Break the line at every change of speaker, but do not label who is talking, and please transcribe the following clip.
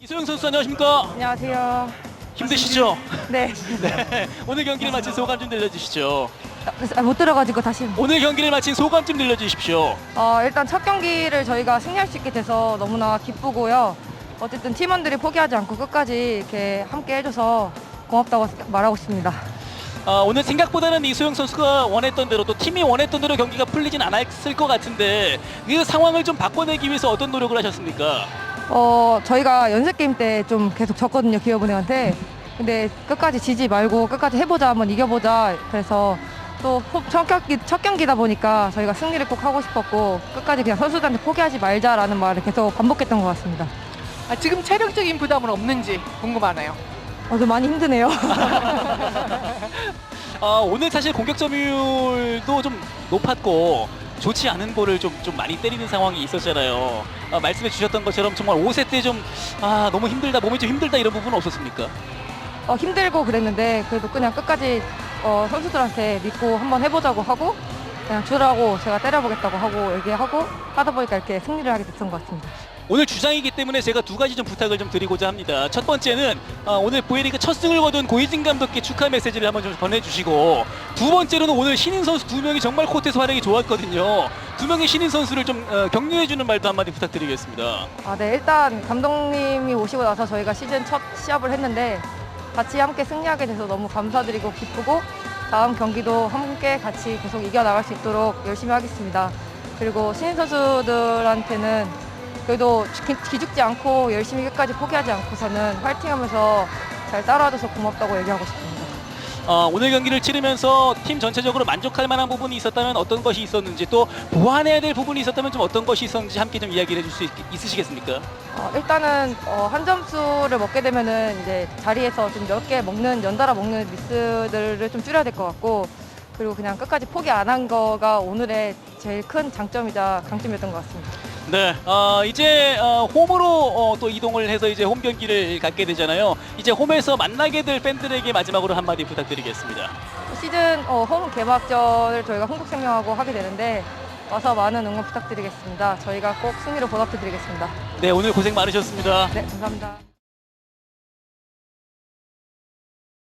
이소영 선수 안녕하십니까?
안녕하세요.
힘드시죠?
네.
네. 오늘 경기를 마친 소감 좀 들려주시죠.
못 들어가지고 다시.
오늘 경기를 마친 소감 좀 들려주십시오.
일단 첫 경기를 저희가 승리할 수 있게 돼서 너무나 기쁘고요. 어쨌든 팀원들이 포기하지 않고 끝까지 이렇게 함께 해줘서 고맙다고 말하고 싶습니다.
오늘 생각보다는 이소영 선수가 원했던 대로 또 팀이 원했던 대로 경기가 풀리진 않았을 것 같은데 그 상황을 좀 바꿔내기 위해서 어떤 노력을 하셨습니까?
저희가 연습 게임 때 좀 계속 졌거든요, 기업은행한테. 근데 끝까지 지지 말고 끝까지 해보자, 한번 이겨보자. 그래서 또 첫 경기다 보니까 저희가 승리를 꼭 하고 싶었고 끝까지 그냥 선수들한테 포기하지 말자라는 말을 계속 반복했던 것 같습니다.
지금 체력적인 부담은 없는지 궁금하네요.
좀 많이 힘드네요.
오늘 사실 공격 점유율도 좀 높았고 좋지 않은 볼을 좀 많이 때리는 상황이 있었잖아요. 말씀해 주셨던 것처럼 정말 5세 때 좀 너무 힘들다, 몸이 좀 힘들다 이런 부분은 없었습니까?
힘들고 그랬는데 그래도 그냥 끝까지 선수들한테 믿고 한번 해보자고 하고 그냥 주라고 제가 때려보겠다고 하고 얘기하고 하다 보니까 이렇게 승리를 하게 됐던 것 같습니다.
오늘 주장이기 때문에 제가 두 가지 좀 부탁을 좀 드리고자 합니다. 첫 번째는 오늘 보이리그 첫 승을 거둔 고이진 감독께 축하 메시지를 한번 좀 전해주시고, 두 번째로는 오늘 신인 선수 두 명이 정말 코트에서 활약이 좋았거든요. 두 명의 신인 선수를 좀 격려해주는 말도 한마디 부탁드리겠습니다.
네, 일단 감독님이 오시고 나서 저희가 시즌 첫 시합을 했는데 같이 함께 승리하게 돼서 너무 감사드리고 기쁘고 다음 경기도 함께 같이 계속 이겨나갈 수 있도록 열심히 하겠습니다. 그리고 신인 선수들한테는 그래도 기죽지 않고 열심히 끝까지 포기하지 않고서는 화이팅하면서 잘 따라와줘서 고맙다고 얘기하고 싶습니다.
오늘 경기를 치르면서 팀 전체적으로 만족할 만한 부분이 있었다면 어떤 것이 있었는지, 또 보완해야 될 부분이 있었다면 좀 어떤 것이 있었는지 함께 좀 이야기를 해줄 수 있으시겠습니까?
일단은 한 점수를 먹게 되면은 이제 자리에서 좀 몇 개 먹는 연달아 먹는 미스들을 좀 줄여야 될 것 같고, 그리고 그냥 끝까지 포기 안 한 거가 오늘의 제일 큰 장점이자 강점이었던 것 같습니다.
네, 이제 홈으로 또 이동을 해서 이제 홈 경기를 갖게 되잖아요. 이제 홈에서 만나게 될 팬들에게 마지막으로 한마디 부탁드리겠습니다.
시즌 홈 개막전을 저희가 흥국생명하고 하게 되는데 와서 많은 응원 부탁드리겠습니다. 저희가 꼭 승리로 보답해드리겠습니다.
네, 오늘 고생 많으셨습니다.
네, 감사합니다.